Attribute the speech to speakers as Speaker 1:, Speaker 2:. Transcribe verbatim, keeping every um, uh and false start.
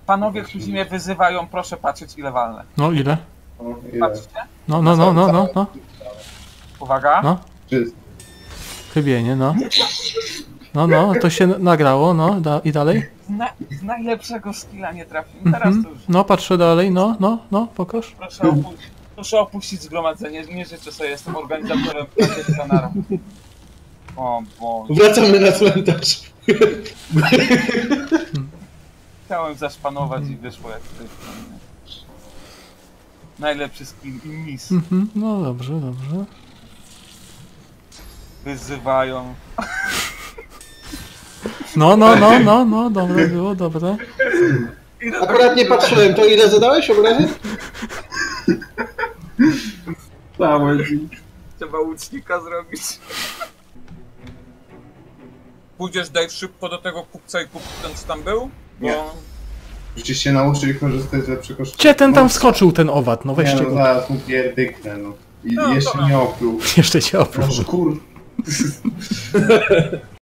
Speaker 1: Panowie, którzy mnie wyzywają, proszę patrzeć ile walnę.
Speaker 2: No ile?
Speaker 3: O, ile?
Speaker 1: Patrzcie.
Speaker 2: No, no, no, no, no, no.
Speaker 1: Uwaga.
Speaker 2: No.
Speaker 3: Czysto.
Speaker 2: Chybienie, no. No, no, to się nagrało, no. Da, i dalej?
Speaker 1: Z, na, z najlepszego skilla nie trafiłem. Teraz
Speaker 2: Mhm.
Speaker 1: to już.
Speaker 2: No, patrzę dalej, no, no, no, pokaż.
Speaker 1: Proszę opuścić, proszę opuścić zgromadzenie. Nie życzę sobie, jestem organizatorem kanara. O Boże.
Speaker 3: Wracamy na cmentarz.
Speaker 1: Chciałem zaszpanować i wyszło jak to jest. Najlepszy skill i mis.
Speaker 2: Mhm. No dobrze, dobrze.
Speaker 1: Wyzywają.
Speaker 2: No, no, no, no, no, dobre było, dobre.
Speaker 3: Akurat nie patrzyłem, to ile zadałeś obrazy?
Speaker 1: Dałeś. Trzeba łucznika zrobić. Pójdziesz Dave szybko do tego kupca i kup ten co tam był? Bo...
Speaker 3: Nie. Przecież się nauczyli korzystać z lepszego sztuki.
Speaker 2: Gdzie ten tam wskoczył, ten owad? No weźcie
Speaker 3: Nie, no
Speaker 2: go.
Speaker 3: zaraz mu pierdyknę, no. I
Speaker 1: No,
Speaker 3: jeszcze
Speaker 1: dobra.
Speaker 3: nie opluł.
Speaker 2: Jeszcze cię oprócz.
Speaker 3: Może kur...